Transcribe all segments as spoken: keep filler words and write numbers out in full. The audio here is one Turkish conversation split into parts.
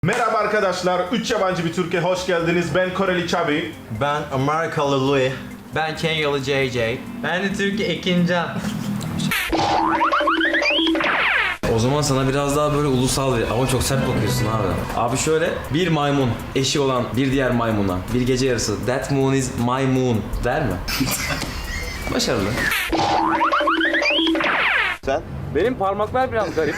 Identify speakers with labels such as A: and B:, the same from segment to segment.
A: Merhaba arkadaşlar, üç yabancı bir Türkiye hoş geldiniz. Ben Koreli Çabi.
B: Ben Amerikalı Louis.
C: Ben Kenyalı J J. Ben de Türkiye Ekincan. O zaman sana biraz daha böyle ulusal bir ama çok sert bakıyorsun abi. Abi şöyle bir maymun eşi olan bir diğer maymuna bir gece yarısı that moon is my moon der mi? Başarılı.
B: Sen?
D: Benim parmaklar biraz garip.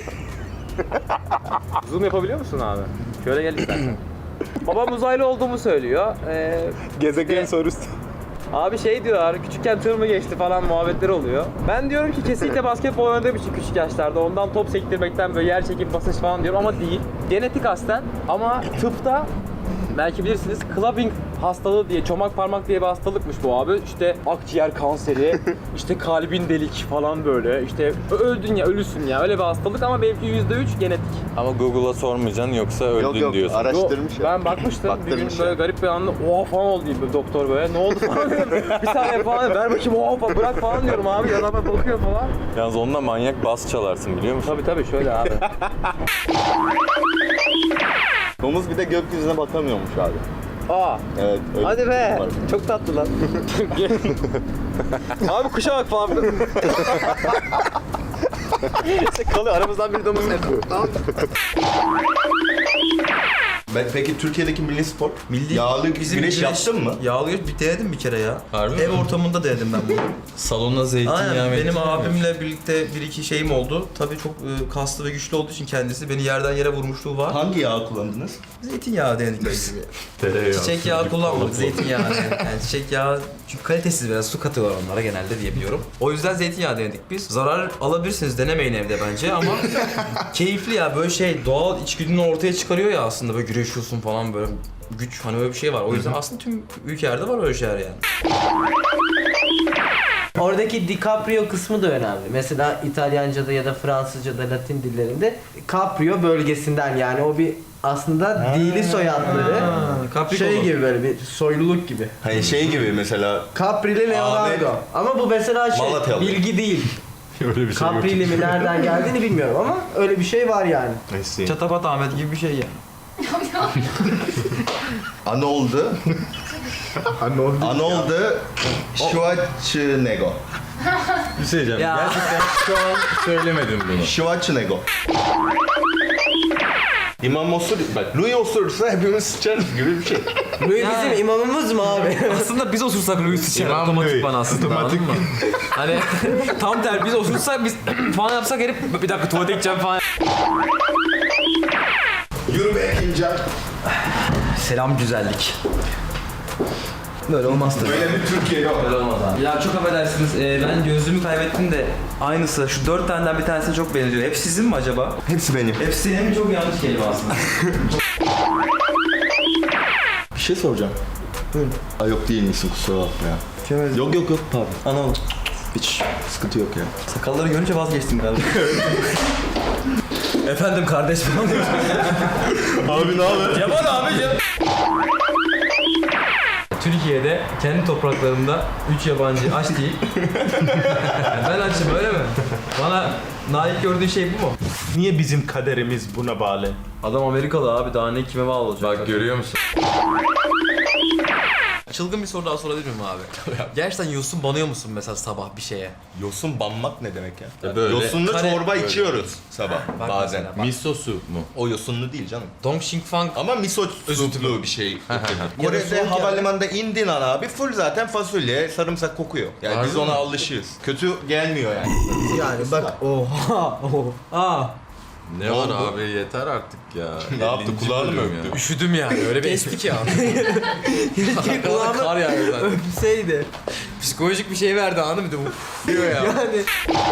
D: Zoom yapabiliyor musun abi? Şöyle gel istersen. Babam uzaylı olduğumu söylüyor. Ee,
B: Gezegen sorusu.
D: abi şey diyorlar, küçükken tır mı geçti falan muhabbetleri oluyor. Ben diyorum ki kesinlikle basketbol oynadığım için küçük yaşlarda ondan top sektirmekten böyle yer çekim basınç falan diyorum ama değil. Genetik aslen ama tıpta belki bilirsiniz clubbing hastalığı diye, çomak parmak diye bir hastalıkmış bu abi. İşte akciğer kanseri, işte kalbin delik falan böyle. İşte öldün ya, ölüsün ya. Öyle bir hastalık ama benimki yüzde üç genetik.
E: Ama Google'a sormayacaksın yoksa öldün
B: Yok yok
E: diyorsun.
B: araştırmış
D: Yo,
B: ya.
D: ben bakmıştım. Bir gün
B: Baktırmış
D: böyle
B: ya.
D: garip bir anda oha falan oldu diye bir doktor böyle. Ne oldu falan diyorum. Bir saniye falan ver bakayım oha falan bırak falan diyorum abi. Yanıma bakıyor falan.
E: Yalnız onunla manyak bas çalarsın biliyor musun?
D: Tabii tabii şöyle abi.
B: Domuz bir de gökyüzüne bakamıyormuş abi.
D: Aa.
B: Evet. Öyle
D: Hadi
B: bir
D: be.
B: şey var.
D: Çok tatlı lan. abi kuşa bak falan. işte kalıyor aramızdan biri domuz yapıyor.
B: Ben, peki Türkiye'deki milli spor?
F: Milli
B: Yağlı
F: bizim
B: güreş yaptın mı?
F: Yağlı güreş bir denedim bir kere ya.
E: Harbi
F: Ev
E: mi?
F: ortamında denedim ben bunu.
E: Salonda zeytinyağı
F: Aynen benim
E: meytinyağı mı?
F: abimle birlikte bir iki şeyim oldu. Tabii çok e, kaslı ve güçlü olduğu için kendisi beni yerden yere vurmuşluğu var.
B: Hangi yağ kullandınız?
F: Zeytinyağı denedik biz.
E: Tereyağı.
F: Çiçek yağı kullanmadık, zeytinyağı. Yani çiçek yağı çünkü kalitesiz biraz su katıyorlar onlara genelde diye biliyorum. O yüzden zeytinyağı denedik biz. Zarar alabilirsiniz, denemeyin evde bence ama keyifli ya, böyle şey doğal içgüdünü ortaya çıkarıyor ya aslında, böyle güreşiyorsun falan, böyle güç, hani öyle bir şey var. O yüzden aslında tüm ülkelerde var öyle şeyler yani.
G: Oradaki DiCaprio kısmı da önemli. Mesela İtalyanca'da ya da Fransızca'da, Latin dillerinde Caprio bölgesinden, yani o bir aslında dili soyadları.
F: Capricorn.
G: Şey gibi, böyle bir soyluluk gibi.
B: Hani şey gibi mesela
G: Caprili Leonardo.
B: Ahmet-
G: Ama bu mesela şey,
B: Malatyalı.
G: bilgi değil.
E: Öyle bir şey yok.
G: Caprili mi nereden geldiğini bilmiyorum ama öyle bir şey var yani.
B: neyse.
F: Çatapat Ahmet gibi bir şey ya.
B: Anoldu.
A: Anoldu.
B: Anoldu Schwarzenegger.
E: Bir şey diyeceğim.
F: Ya.
E: Gerçekten şu an söylemedim bunu.
B: Schwarzenegger. İmam osur, bak Louis osurursa hepimiz sıçarız gibi bir şey.
G: Louis bizim imamımız mı abi?
C: Aslında biz osursak Louis sıçar
E: İmam
C: otomatik
E: Louis.
C: bana aslında, anladın mı? Hani tam ter biz osursak biz falan yapsak herif bir dakika tuvalete gideceğim falan.
A: Yürü be Ekincan.
F: Selam güzellik. Böyle olmaz tabii.
A: Böyle bir Türkiye yok.
F: Böyle olmaz abi. Ya çok affedersiniz, e, ben gözlüğümü kaybettim de aynısı. Şu dört taneden bir tanesine çok benziyor. Hep sizin mi acaba?
B: Hepsi benim.
F: Hepsi hem çok yanlış kelime aslında.
B: Bir şey soracağım. Buyurun. Aa, yok değil misin, kusura bakma ya. Yok yok yok pardon.
F: Anlamadım.
B: Hiç sıkıntı yok ya.
F: Sakalları görünce vazgeçtim galiba. Efendim kardeş falan diyor.
B: Abi ne haber?
F: Yaman abicim. Türkiye'de kendi topraklarında üç yabancı aç değil. Ben açım, öyle mi? Bana layık gördüğün şey bu mu?
A: Niye bizim kaderimiz buna bağlı?
F: Adam Amerikalı abi, daha ne kime bağlı olacak?
E: Bak görüyor musun?
C: Çılgın bir soru daha sorabilir miyim abi? Gerçekten yosun banıyor musun mesela sabah bir şeye?
B: Yosun banmak ne demek ya?
E: Ya böyle
B: Yosunlu
C: kare-
B: çorba
C: böyle.
B: içiyoruz sabah
C: Bak
B: bazen.
C: mesela, bak.
E: Miso su mu?
B: O yosunlu değil canım.
C: Dong Xing Fang
B: Ama miso suplu bir şey. Kore'de
C: soğuk
B: havalimanında indin an abi full zaten fasulye, sarımsak kokuyor. Yani
E: Harbi
B: biz ona
E: mi?
B: alışığız. Kötü gelmiyor yani.
G: Yani bak oha oha.
E: Ne var abi yeter artık ya.
B: Ne yaptı,
E: ellinci
B: kulağını mı
E: bölüm
B: öptü?
E: ya.
C: üşüdüm yani, öyle bir esti ki abi.
G: Keşke
C: Kar
G: kulağıma
C: yağıyor zaten.
G: öpseydi.
C: Psikolojik bir şey verdi, anladın mı? Bir de uf diyor ya.
G: Yani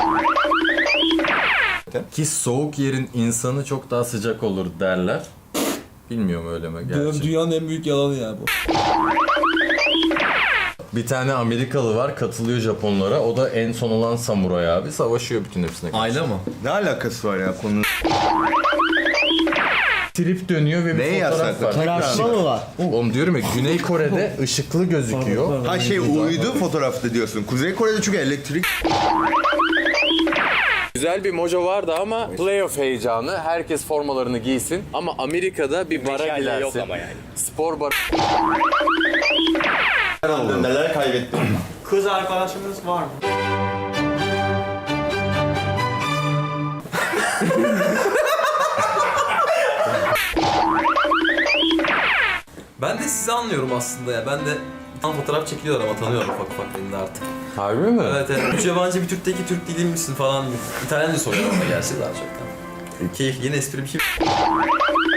E: Ki soğuk yerin insanı çok daha sıcak olur derler. Bilmiyorum öyle mi gerçi.
F: Dünyanın en büyük yalanı ya bu.
E: Bir tane Amerikalı var katılıyor Japonlara. O da en son olan samuray abi. Savaşıyor bütün hepsine karşı.
F: Ayla mı?
B: Ne alakası var ya konunun?
E: Trip dönüyor ve bir
B: Neyi
E: fotoğraf
B: yasaklı?
E: var.
G: tarafma mı var?
E: Oğlum diyorum ya Güney Kore'de ışıklı gözüküyor.
B: Ha şey uydu fotoğrafta diyorsun. Kuzey Kore'de çünkü elektrik.
H: Güzel bir mojo vardı ama playoff heyecanı. Herkes formalarını giysin. Ama Amerika'da bir bara gidersin. Yok ama yani. Spor bar.
B: Neler kaybettim.
I: Kız arkadaşınız var mı?
F: Ben de sizi anlıyorum aslında ya. Ben de tam fotoğraf çekiliyorlar ama tanıyorum ufak ufak beni de artık.
H: Harbi mi?
F: Evet evet. Üç yabancı bir Türk'teki Türk değil misin falan. İtalyanca soruyorlar ama gerçi daha çok. Keyifli. Yine espri bir şey.